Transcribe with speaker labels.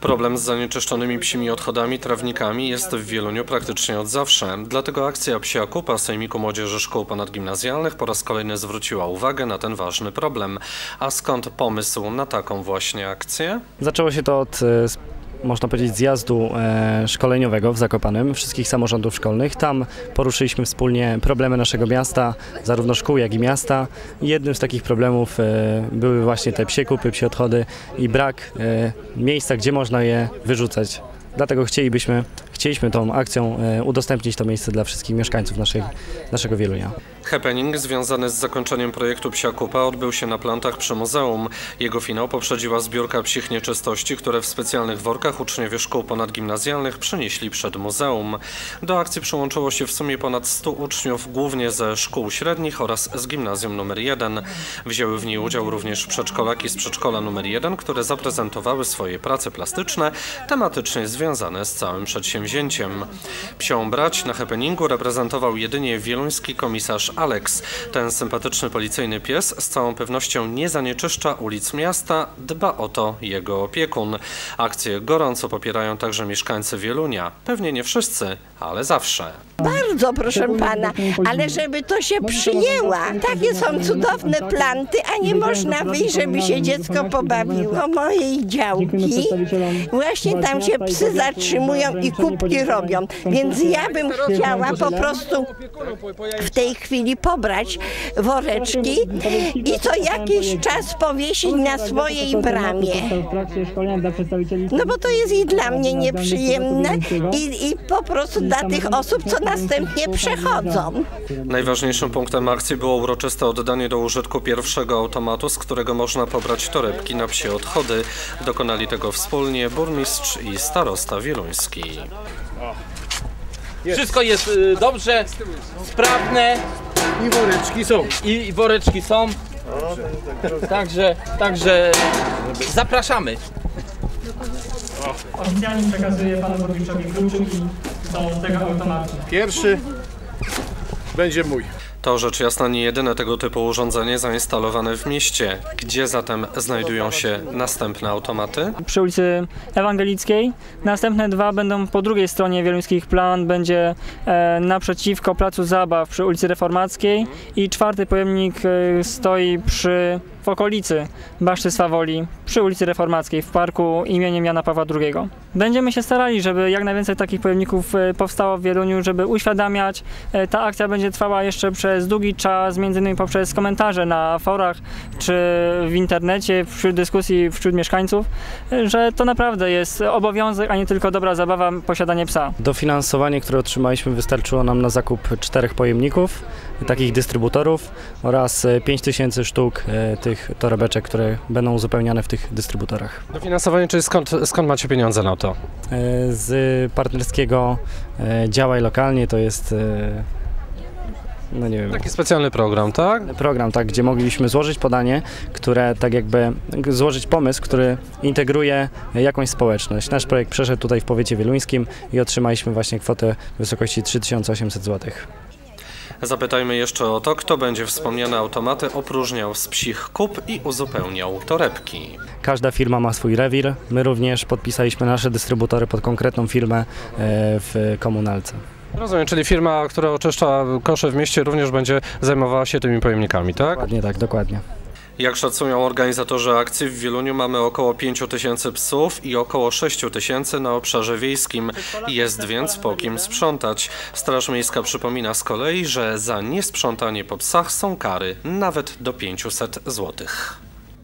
Speaker 1: Problem z zanieczyszczonymi psimi odchodami, trawnikami jest w Wieluniu praktycznie od zawsze. Dlatego akcja Psia Kupa Sejmiku Młodzieży Szkół Ponadgimnazjalnych po raz kolejny zwróciła uwagę na ten ważny problem. A skąd pomysł na taką właśnie akcję?
Speaker 2: Zaczęło się to od, można powiedzieć, zjazdu szkoleniowego w Zakopanem, wszystkich samorządów szkolnych. Tam poruszyliśmy wspólnie problemy naszego miasta, zarówno szkół, jak i miasta. I jednym z takich problemów były właśnie te psie kupy, psie odchody i brak miejsca, gdzie można je wyrzucać. Dlatego chcieliśmy tą akcją udostępnić to miejsce dla wszystkich mieszkańców naszego Wielunia.
Speaker 1: Happening związany z zakończeniem projektu Psia Kupa odbył się na plantach przy muzeum. Jego finał poprzedziła zbiórka psich nieczystości, które w specjalnych workach uczniowie szkół ponadgimnazjalnych przynieśli przed muzeum. Do akcji przyłączyło się w sumie ponad 100 uczniów, głównie ze szkół średnich oraz z gimnazjum nr 1. Wzięły w niej udział również przedszkolaki z przedszkola nr 1, które zaprezentowały swoje prace plastyczne, tematycznie związane z całym przedsięwzięciem. Psią brać na happeningu reprezentował jedynie wieluński komisarz Alex. Ten sympatyczny policyjny pies z całą pewnością nie zanieczyszcza ulic miasta, dba o to jego opiekun. Akcję gorąco popierają także mieszkańcy Wielunia. Pewnie nie wszyscy, ale zawsze.
Speaker 3: Bardzo, proszę pana, ale żeby to się przyjęła. Takie są cudowne planty, a nie można wyjść, żeby się dziecko pobawiło. Mojej działki właśnie tam się psy zatrzymują i kubki robią. Więc ja bym chciała po prostu w tej chwili pobrać woreczki i co jakiś czas powiesić na swojej bramie. No bo to jest i dla mnie nieprzyjemne i po prostu dla tych osób, co następnie przechodzą.
Speaker 1: Najważniejszym punktem akcji było uroczyste oddanie do użytku pierwszego automatu, z którego można pobrać torebki na psie odchody. Dokonali tego wspólnie burmistrz i starosta wieluński.
Speaker 4: Wszystko jest dobrze, sprawne.
Speaker 5: I woreczki są.
Speaker 4: I woreczki są. Także zapraszamy.
Speaker 6: Oficjalnie przekazuję panu burmistrzowi kluczyki do tego automatu.
Speaker 5: Pierwszy będzie mój.
Speaker 1: To rzecz jasna nie jedyne tego typu urządzenie zainstalowane w mieście. Gdzie zatem znajdują się następne automaty?
Speaker 6: Przy ulicy Ewangelickiej. Następne dwa będą po drugiej stronie wieluńskich plan. Będzie naprzeciwko Placu Zabaw przy ulicy Reformackiej i czwarty pojemnik stoi w okolicy Baszty Swawoli przy ulicy Reformackiej w parku imieniem Jana Pawła II. Będziemy się starali, żeby jak najwięcej takich pojemników powstało w Wieluniu, żeby uświadamiać. Ta akcja będzie trwała jeszcze przez długi czas, między innymi poprzez komentarze na forach czy w internecie, wśród dyskusji wśród mieszkańców, że to naprawdę jest obowiązek, a nie tylko dobra zabawa, posiadanie psa.
Speaker 2: Dofinansowanie, które otrzymaliśmy, wystarczyło nam na zakup 4 pojemników, takich dystrybutorów oraz 5000 sztuk tych torebeczek, które będą uzupełniane w tych dystrybutorach.
Speaker 1: Dofinansowanie, czyli skąd macie pieniądze na to?
Speaker 2: Z partnerskiego Działaj Lokalnie, to jest no nie wiem.
Speaker 1: Taki specjalny program, tak?
Speaker 2: Program, tak, gdzie mogliśmy złożyć podanie, które tak jakby złożyć pomysł, który integruje jakąś społeczność. Nasz projekt przeszedł tutaj w powiecie wieluńskim i otrzymaliśmy właśnie kwotę w wysokości 3800 zł.
Speaker 1: Zapytajmy jeszcze o to, kto będzie wspomniane automaty opróżniał z psich kup i uzupełniał torebki.
Speaker 2: Każda firma ma swój rewir. My również podpisaliśmy nasze dystrybutory pod konkretną firmę w komunalce.
Speaker 1: Rozumiem, czyli firma, która oczyszcza kosze w mieście, również będzie zajmowała się tymi pojemnikami, tak?
Speaker 2: Dokładnie tak, dokładnie.
Speaker 1: Jak szacują organizatorzy akcji, w Wieluniu mamy około 5000 psów i około 6000 na obszarze wiejskim. Jest więc po kim sprzątać. Straż Miejska przypomina z kolei, że za niesprzątanie po psach są kary nawet do 500 zł.